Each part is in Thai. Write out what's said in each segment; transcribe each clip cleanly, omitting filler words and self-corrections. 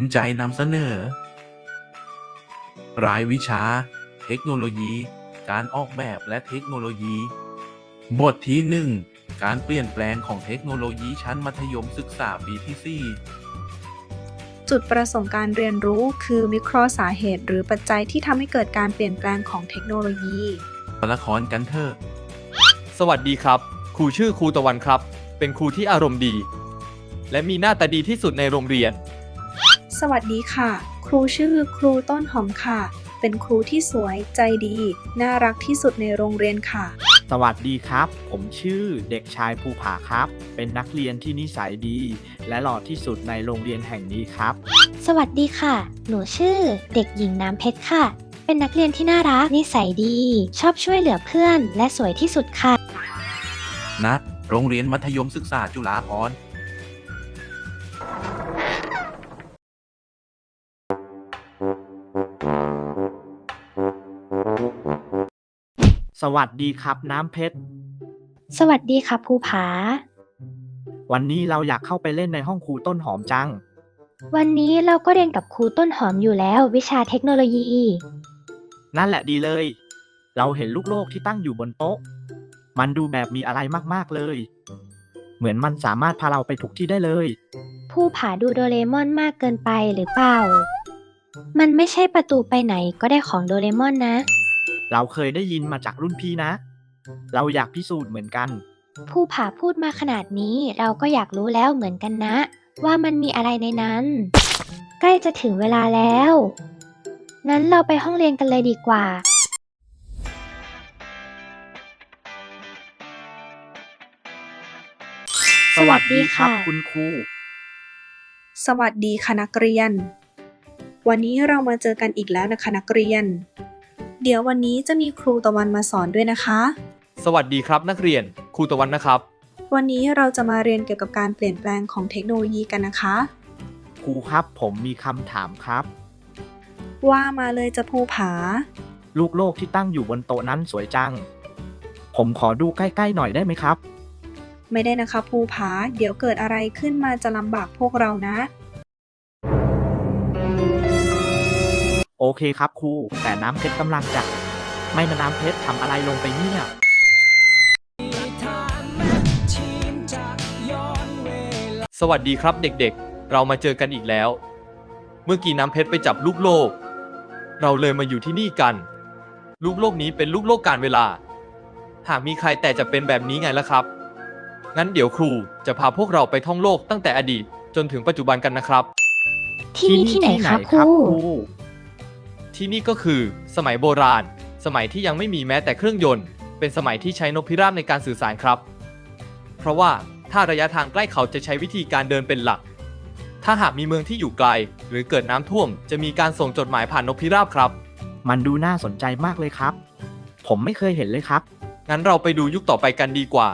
มใจนำเสนอ รายวิชา เทคโนโลยี การออกแบบและเทคโนโลยี บทที่ 1 การเปลี่ยนแปลงของเทคโนโลยีชั้นมัธยมศึกษาปีที่ 4 จุดประสงค์การเรียนรู้คือวิเคราะห์สาเหตุหรือปัจจัยที่ทำให้เกิดการเปลี่ยนแปลงของเทคโนโลยีตัวละครกันเถอะสวัสดีครับ ครูชื่อครูตะวันครับ เป็นครูที่อารมณ์ดี และมีหน้าตาดีที่สุดในโรงเรียนสวัสดีค่ะ ครูชื่อครูต้นหอมค่ะ เป็นครูที่สวยใจดี น่ารักที่สุดในโรงเรียนค่ะสวัสดีครับ ผมชื่อเด็กชายภูผาครับ เป็นนักเรียนที่นิสัยดี และหล่อที่สุดในโรงเรียนแห่งนี้ครับสวัสดีค่ะ หนูชื่อเด็กหญิงน้ำเพชรค่ะ เป็นนักเรียนที่น่ารัก นิสัยดี ชอบช่วยเหลือเพื่อน และสวยที่สุดค่ะณ โรงเรียนมัธยมศึกษาจุฬาภรณ์สวัสดีครับน้ำเพชรสวัสดีค่ะภูผาวันนี้เราอยากเข้าไปเล่นในห้องครูต้นหอมจังวันนี้เราก็เรียนกับครูต้นหอมอยู่แล้ววิชาเทคโนโลยีนั่นแหละดีเลย เราเห็นลูกโลกที่ตั้งอยู่บนโต๊ะ มันดูแบบมีอะไรมากๆเลย เหมือนมันสามารถพาเราไปทุกที่ได้เลยภูผาดูโดเรมอนมากเกินไปหรือเปล่า มันไม่ใช่ประตูไปไหนก็ได้ของโดเรมอนนะเราเคยได้ยินมาจากรุ่นพี่นะ เราอยากพิสูจน์เหมือนกันภูผาพูดมาขนาดนี้เราก็อยากรู้แล้วเหมือนกันนะ ว่ามันมีอะไรในนั้น ใกล้จะถึงเวลาแล้ว งั้นเราไปห้องเรียนกันเลยดีกว่าสวัสดีครับคุณครูสวัสดีค่ะนักเรียน วันนี้เรามาเจอกันอีกแล้วนะคะนักเรียน เดี๋ยววันนี้จะมีครูตะวันมาสอนด้วยนะคะสวัสดีครับนักเรียน ครูตะวันนะครับวันนี้เราจะมาเรียนเกี่ยวกับการเปลี่ยนแปลงของเทคโนโลยีกันนะคะครูครับผมมีคำถามครับว่ามาเลยจะภูผาลูกโลกที่ตั้งอยู่บนโต๊ะนั้นสวยจัง ผมขอดูใกล้ๆหน่อยได้ไหมครับไม่ได้นะคะภูผา เดี๋ยวเกิดอะไรขึ้นมาจะลำบากพวกเรานะโอเคครับครู แต่น้ำเพชรกำลังจะ ไม่นะน้ำเพชรทำอะไรลงไปเนี่ยสวัสดีครับเด็กๆ เรามาเจอกันอีกแล้ว เมื่อกี้น้ำเพชรไปจับลูกโลก เราเลยมาอยู่ที่นี่กัน ลูกโลกนี้เป็นลูกโลกการเวลา หากมีใครแต่จะเป็นแบบนี้ไงล่ะครับ งั้นเดี๋ยวครูจะพาพวกเราไปท่องโลกตั้งแต่อดีตจนถึงปัจจุบันกันนะครับที่นี่ที่ไหนคะครูที่นี่ก็คือสมัยโบราณ สมัยที่ยังไม่มีแม้แต่เครื่องยนต์ เป็นสมัยที่ใช้นกพิราบในการสื่อสารครับ เพราะว่าถ้าระยะทางใกล้เขาจะใช้วิธีการเดินเป็นหลัก ถ้าหากมีเมืองที่อยู่ไกล หรือเกิดน้ำท่วมจะมีการส่งจดหมายผ่านนกพิราบครับมันดูน่าสนใจมากเลยครับ ผมไม่เคยเห็นเลยครับงั้นเราไปดูยุคต่อไปกันดีกว่า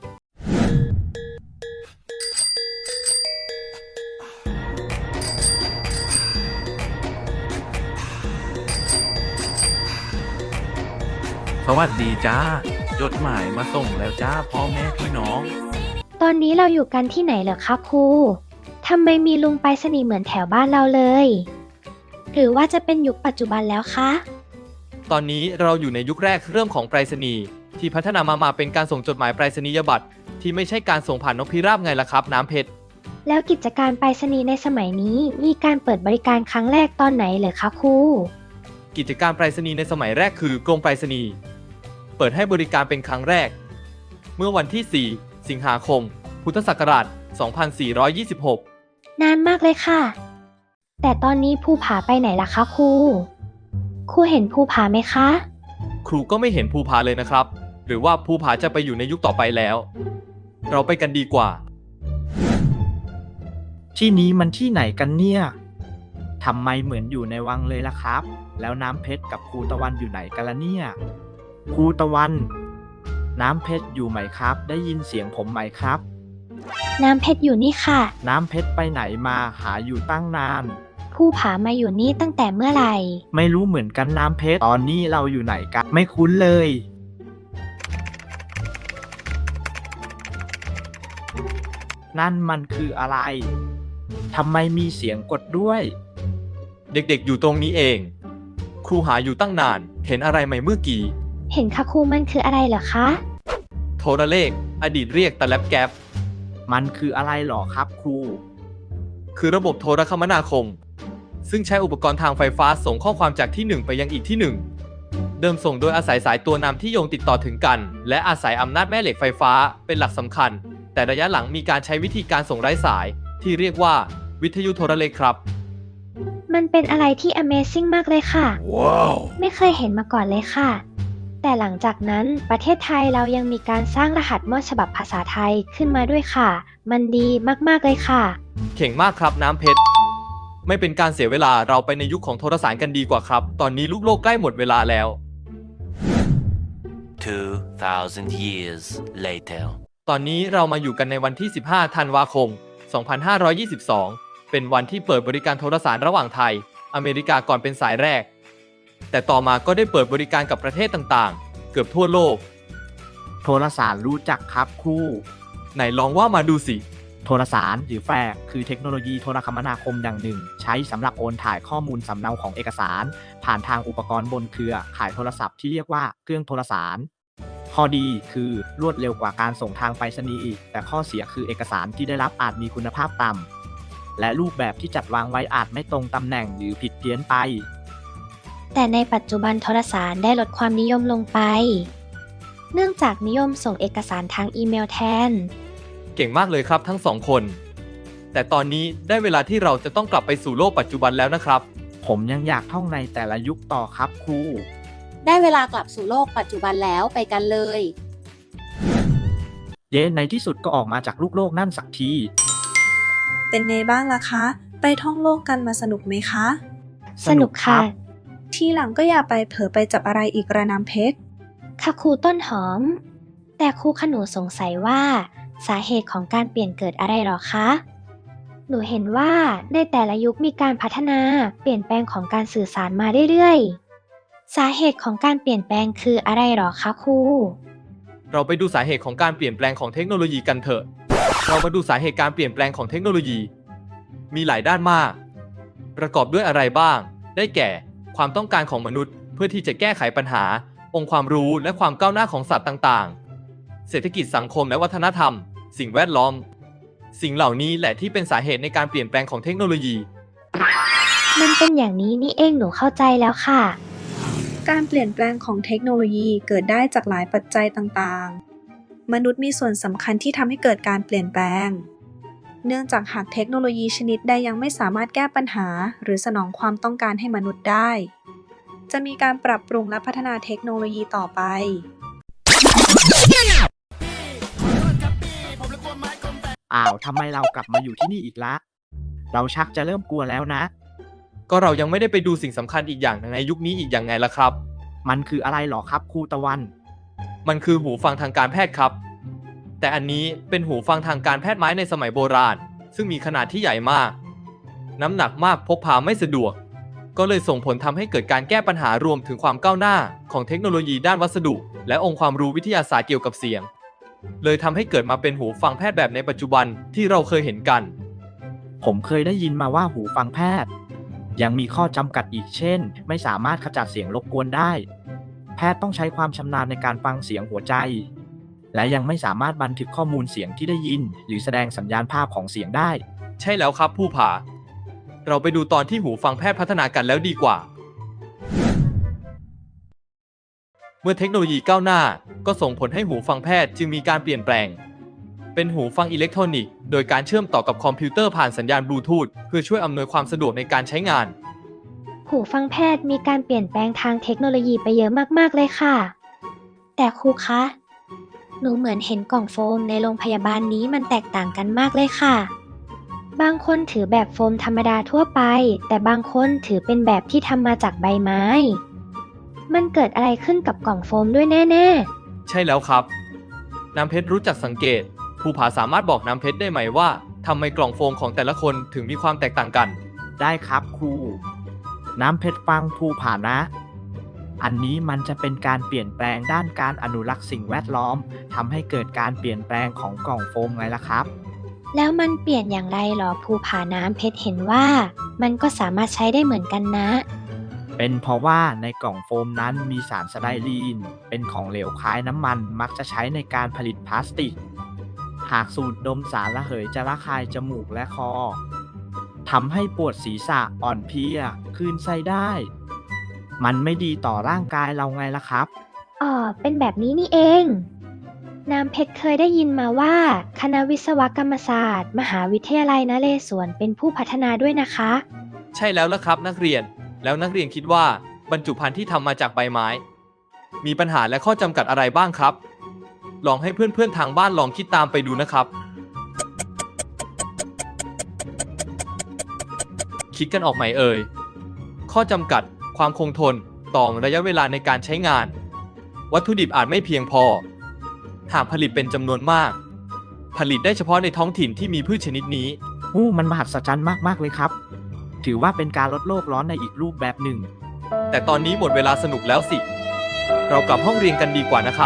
สวัสดีจ้า จดหมายมาส่งแล้วจ้าพ่อแม่พี่น้องตอนนี้เราอยู่กันที่ไหนเหรอคะครู ทำไมมีลุงไปรษณีย์เหมือนแถวบ้านเราเลย หรือว่าจะเป็นยุคปัจจุบันแล้วคะตอนนี้เราอยู่ในยุคแรกเริ่มของไปรษณีย์ที่พัฒนามาเป็นการส่งจดหมายไปรษณียบัตรที่ไม่ใช่การส่งผ่านนกพิราบไงล่ะครับ น้ำเพชรแล้วกิจการไปรษณีย์ในสมัยนี้มีการเปิดบริการครั้งแรกตอนไหนเหรอคะครูกิจการไปรษณีย์ในสมัยแรกคือกรมไปรษณีย์เปิดให้บริการเป็นครั้งแรก เมื่อวันที่ 4 สิงหาคม พุทธศักราช 2426 นานมากเลยค่ะ แต่ตอนนี้ภูผาไปไหนล่ะคะครู ครูเห็นภูผาไหมคะครูก็ไม่เห็นภูผาเลยนะครับ หรือว่าภูผาจะไปอยู่ในยุคต่อไปแล้ว เราไปกันดีกว่าที่นี้มันที่ไหนกันเนี่ยทำไมเหมือนอยู่ในวังเลยล่ะครับ แล้วน้ำเพชรกับครูตะวันอยู่ไหนกันล่ะเนี่ย ครูตะวัน น้ำเพชรอยู่ไหมครับ ได้ยินเสียงผมไหมครับน้ำเพชรอยู่นี่ค่ะน้ำเพชรไปไหนมาหาอยู่ตั้งนานภูผามาอยู่นี่ตั้งแต่เมื่อไหร่ไม่รู้เหมือนกันน้ำเพชร ตอนนี้เราอยู่ไหนกัน ไม่คุ้นเลย นั่นมันคืออะไรทำไมมีเสียงกดด้วยเด็กๆอยู่ตรงนี้เอง ครูหาอยู่ตั้งนาน เห็นอะไรไหมเมื่อกี้เห็นค่ะครูมันคืออะไรเหรอคะโทรเลข อดีตเรียกตะแลบแก๊ปมันคืออะไรหรอครับครูคือระบบโทรคมนาคม ซึ่งใช้อุปกรณ์ทางไฟฟ้าส่งข้อความจากที่หนึ่งไปยังอีกที่หนึ่ง เดิมส่งโดยอาศัยสายตัวนำที่โยงติดต่อถึงกัน และอาศัยอำนาจแม่เหล็กไฟฟ้าเป็นหลักสำคัญ แต่ระยะหลังมีการใช้วิธีการส่งไร้สาย ที่เรียกว่าวิทยุโทรเลขครับมันเป็นอะไรที่ Amazing มากเลยค่ะ ไม่เคยเห็นมาก่อนเลยค่ะ แต่หลังจากนั้นประเทศไทยเรายังมีการสร้างรหัสมอดฉบับภาษาไทยขึ้นมาด้วยค่ะ มันดีมากๆเลยค่ะเก่งมากครับน้ำเพชร ไม่เป็นการเสียเวลาเราไปในยุคของโทรสารกันดีกว่าครับ ตอนนี้ลูกโลกใกล้หมดเวลาแล้ว 2,000 years later. ตอนนี้เรามาอยู่กันในวันที่ 15 ธันวาคม 2522 เป็นวันที่เปิดบริการโทรสารระหว่างไทย อเมริกาก่อนเป็นสายแรก แต่ต่อมาก็ได้เปิดบริการกับประเทศต่างๆ เกือบทั่วโลกโทรสารรู้จักครับครูไหนลองว่ามาดูสิโทรสารหรือแฟกซ์คือเทคโนโลยีโทรคมนาคมอย่างหนึ่ง ใช้สำหรับโอนถ่ายข้อมูลสำเนาของเอกสาร ผ่านทางอุปกรณ์บนเครือข่ายโทรศัพท์ที่เรียกว่าเครื่องโทรสาร ข้อดีคือรวดเร็วกว่าการส่งทางไปรษณีย์อีก แต่ข้อเสียคือเอกสารที่ได้รับอาจมีคุณภาพต่ำและรูปแบบที่จัดวางไว้อาจไม่ตรงตำแหน่งหรือผิดเพี้ยนไปแต่ในปัจจุบันโทรสารได้ลดความนิยมลงไป เนื่องจากนิยมส่งเอกสารทางอีเมลแทนเก่งมากเลยครับทั้งสองคน แต่ตอนนี้ได้เวลาที่เราจะต้องกลับไปสู่โลกปัจจุบันแล้วนะครับผมยังอยากท่องในแต่ละยุคต่อครับครูได้เวลากลับสู่โลกปัจจุบันแล้วไปกันเลยเย้ในที่สุดก็ออกมาจากลูกโลกนั่นสักทีเป็นไงบ้างล่ะคะ ไปท่องโลกกันมาสนุกไหมคะสนุกค่ะทีหลังก็อย่าไปเผลอไปจับอะไรอีกระน้ำเพชรค่ะครูต้นหอม แต่ครูขนูสงสัยว่าสาเหตุของการเปลี่ยนเกิดอะไรหรอคะ หนูเห็นว่าในแต่ละยุคมีการพัฒนาเปลี่ยนแปลงของการสื่อสารมาเรื่อยๆ สาเหตุของการเปลี่ยนแปลงคืออะไรหรอคะครูเราไปดูสาเหตุของการเปลี่ยนแปลงของเทคโนโลยีกันเถอะ เรามาดูสาเหตุการเปลี่ยนแปลงของเทคโนโลยี มีหลายด้านมาก ประกอบด้วยอะไรบ้าง ได้แก่ ความต้องการของมนุษย์ เพื่อที่จะแก้ไขปัญหา องค์ความรู้และความก้าวหน้าของสัตว์ต่างๆ เศรษฐกิจสังคมและวัฒนธรรม สิ่งแวดล้อม สิ่งเหล่านี้แหละที่เป็นสาเหตุในการเปลี่ยนแปลงของเทคโนโลยีมันเป็นอย่างนี้นี่เองหนูเข้าใจแล้วค่ะการเปลี่ยนแปลงของเทคโนโลยีเกิดได้จากหลายปัจจัยต่างๆ มนุษย์มีส่วนสำคัญที่ทำให้เกิดการเปลี่ยนแปลง เนื่องจากหากเทคโนโลยีชนิดใดยังไม่สามารถแก้ปัญหา หรือสนองความต้องการให้มนุษย์ได้ จะมีการปรับปรุงและพัฒนาเทคโนโลยีต่อไปอ้าวทำไมเรากลับมาอยู่ที่นี่อีกละ เราชักจะเริ่มกลัวแล้วนะก็เรายังไม่ได้ไปดูสิ่งสำคัญอีกอย่างในยุคนี้อีกอย่างไงล่ะครับมันคืออะไรหรอครับครูตะวันมันคือหูฟังทางการแพทย์ครับ แต่อันนี้เป็นหูฟังทางการแพทย์ไม้ในสมัยโบราณ ซึ่งมีขนาดที่ใหญ่มาก น้ำหนักมากพกพาไม่สะดวก ก็เลยส่งผลทำให้เกิดการแก้ปัญหารวมถึงความก้าวหน้าของเทคโนโลยีด้านวัสดุ และองค์ความรู้วิทยาศาสตร์เกี่ยวกับเสียง เลยทำให้เกิดมาเป็นหูฟังแพทย์แบบในปัจจุบันที่เราเคยเห็นกันผมเคยได้ยินมาว่าหูฟังแพทย์ ยังมีข้อจำกัดอีกเช่น ไม่สามารถขจัดเสียงรบกวนได้ แพทย์ต้องใช้ความชำนาญในการฟังเสียงหัวใจ และยังไม่สามารถบันทึกข้อมูลเสียงที่ได้ยิน หรือแสดงสัญญาณภาพของเสียงได้ใช่แล้วครับผู้ผ่า เราไปดูตอนที่หูฟังแพทย์พัฒนากันแล้วดีกว่า เมื่อเทคโนโลยีก้าวหน้าก็ส่งผลให้หูฟังแพทย์จึงมีการเปลี่ยนแปลง เป็นหูฟังอิเล็กทรอนิกส์โดยการเชื่อมต่อกับคอมพิวเตอร์ผ่านสัญญาณบลูทูธเพื่อช่วยอำนวยความสะดวกในการใช้งานหูฟังแพทย์มีการเปลี่ยนแปลงทางเทคโนโลยีไปเยอะมากๆเลยค่ะ แต่ครูคะ หนูเหมือนเห็นกล่องโฟมในโรงพยาบาลนี้มันแตกต่างกันมากเลยค่ะ บางคนถือแบบโฟมธรรมดาทั่วไป แต่บางคนถือเป็นแบบที่ทำมาจากใบไม้ มันเกิดอะไรขึ้นกับกล่องโฟมด้วยแน่ๆใช่แล้วครับ น้ำเพชรรู้จักสังเกต ภูผาสามารถบอกน้ำเพชรได้ไหมว่าทำไมกล่องโฟมของแต่ละคนถึงมีความแตกต่างกันได้ครับครู น้ำเพชรฟังภูผานะ อันนี้มันจะเป็นการเปลี่ยนแปลงด้านการอนุรักษ์สิ่งแวดล้อมทำให้เกิดการเปลี่ยนแปลงของกล่องโฟมไงล่ะครับแล้วมันเปลี่ยนอย่างไรหรอภูผาน้ำเพชรเห็นว่า มันก็สามารถใช้ได้เหมือนกันนะเป็นเพราะว่าในกล่องโฟมนั้นมีสารสไตรีนเป็นของเหลวคล้ายน้ำมันมักจะใช้ในการผลิตพลาสติก หากสูดดมสารระเหยจะระคายจมูกและคอทำให้ปวดศีรษะอ่อนเพลียคลื่นไส้ได้ มันไม่ดีต่อร่างกายเราไงล่ะครับอ๋อ เป็นแบบนี้นี่เอง น้ำเพชรเคยได้ยินมาว่า คณะวิศวกรรมศาสตร์ มหาวิทยาลัยนเรศวรเป็นผู้พัฒนาด้วยนะคะใช่แล้วละครับนักเรียน แล้วนักเรียนคิดว่าบรรจุภัณฑ์ที่ทำมาจากใบไม้ มีปัญหาและข้อจำกัดอะไรบ้างครับ ลองให้เพื่อนๆทางบ้านลองคิดตามไปดูนะครับ คิดกันออกไหมเอ่ย ข้อจำกัด ความคงทน ต่อระยะเวลาในการใช้งาน วัตถุดิบอาจไม่เพียงพอ หากผลิตเป็นจำนวนมาก ผลิตได้เฉพาะในท้องถิ่นที่มีพืชชนิดนี้มันมหัศจรรย์มากๆเลยครับ ถือว่าเป็นการลดโลกร้อนในอีกรูปแบบหนึ่งแต่ตอนนี้หมดเวลาสนุกแล้วสิ เรากลับห้องเรียนกันดีกว่านะครับ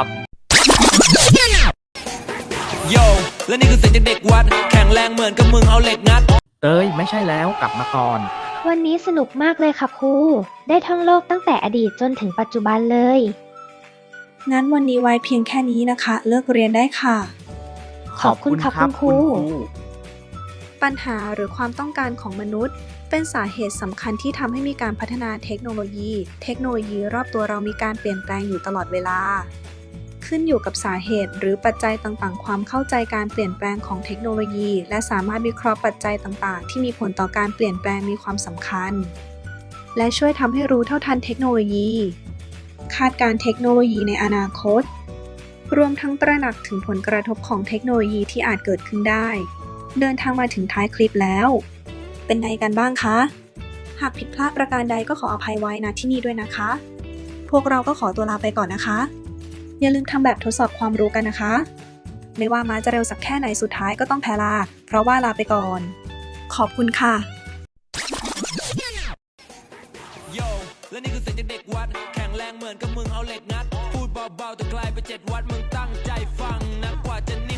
โย และนี่คือเสียงจากเด็กวัด แข็งแรงเหมือนกับมึงเอาเหล็กงัดไม่ใช่แล้วกลับมาก่อนวันนี้สนุกมากเลยค่ะครู ได้ท่องโลกตั้งแต่อดีตจนถึงปัจจุบันเลยงั้นวันนี้ไว้เพียงแค่นี้นะคะ เลิกเรียนได้ค่ะขอบคุณค่ะคุณครูปัญหาหรือความต้องการของมนุษย์ เป็นสาเหตุสำคัญที่ทำให้มีการพัฒนาเทคโนโลยีรอบตัวเรามีการเปลี่ยนแปลงอยู่ตลอดเวลา ขึ้นอยู่กับสาเหตุหรือปัจจัยต่างๆ ความเข้าใจการเปลี่ยนแปลงของเทคโนโลยี และสามารถวิเคราะห์ปัจจัยต่างๆ ที่มีผลต่อการเปลี่ยนแปลงมีความสำคัญ และช่วยทำให้รู้เท่าทันเทคโนโลยี คาดการณ์เทคโนโลยีในอนาคต รวมทั้งตระหนักถึงผลกระทบของเทคโนโลยีที่อาจเกิดขึ้นได้ เดินทางมาถึงท้ายคลิปแล้ว เป็นไงกันบ้างคะ หากผิดพลาดประการใดก็ขออภัยไว้ณที่นี่ด้วยนะคะ พวกเราก็ขอตัวลาไปก่อนนะคะ อย่าลืมทำแบบทดสอบความรู้กันนะคะ ไม่ว่าม้าจะเร็วสักแค่ไหนสุดท้ายก็ต้องแพ้ลา เพราะว่าลาไปก่อน ขอบคุณค่ะโย และนี่คือเสียงจากเด็กวัด แข็งแรงเหมือนกับมึงเอาเหล็กงัด พูดเบาๆแต่กลายเป็น7 วัด มึงตั้งใจฟังนะกว่าจะ